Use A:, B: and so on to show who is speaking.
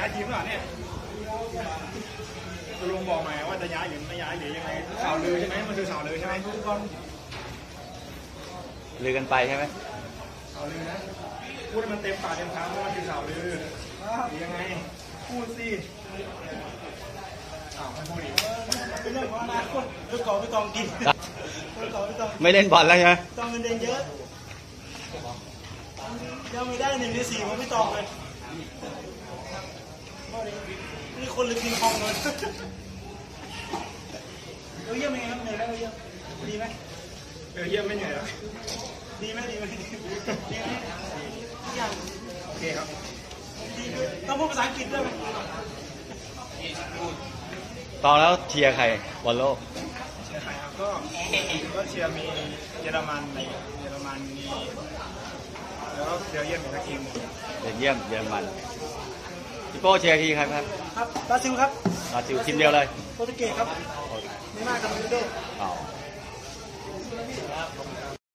A: ายทีมหรือเปล่าเนี่ยคุณลุงบอกมาว่าจะย้ายหรือไม่ย้ายหรือยังไงข่าวลือใช่ไหมมันคือข่าวลือใช่ไหมทุกคน
B: ลือกันไปใช่ไหม
A: ข่าวลือนะพูดให้มันเต็มปากเต็มคำว่ามันคือข่าวลือหรือยังไงพูดสิไม่พูดอีกเป็นเรื่องของอนาคตลูกกอล์ฟไม่ต้องกินลูกกอล์ฟไม่ต้อง
B: ไม่เล่นบอลแล้วใช่ไหม
A: ต้องเงินเดือนเยอะยังไม่ได้1 ใน 4ผมไม่ตองเลยนี่คนหรือกินคองเลยเราเยี่ยมไหมครับเหนื่อยไหมเราเยี่ยมดีไหมเยี่ยมไม่เหนื่อยหรอดีไหมดีไหมอย่างโอเคครับดีต้องพูดภาษาอังกฤษด้วยไหม
B: ตอนแล้วเชียร์ใครบอลโลก
A: เชียร์ใครครับก็เชียร์มีเยอรมันในเยอรมันมีแล้วเชียร์เยี่ยมอีกทีม
B: เยี่ยมเยอรมันพี่โป้เชียร์ทีครับ
A: ครับบราซิลครับ
B: บราซิลทีมเดียวเลย
A: โปรตุเกสครับไม่มากกับโรนัลโด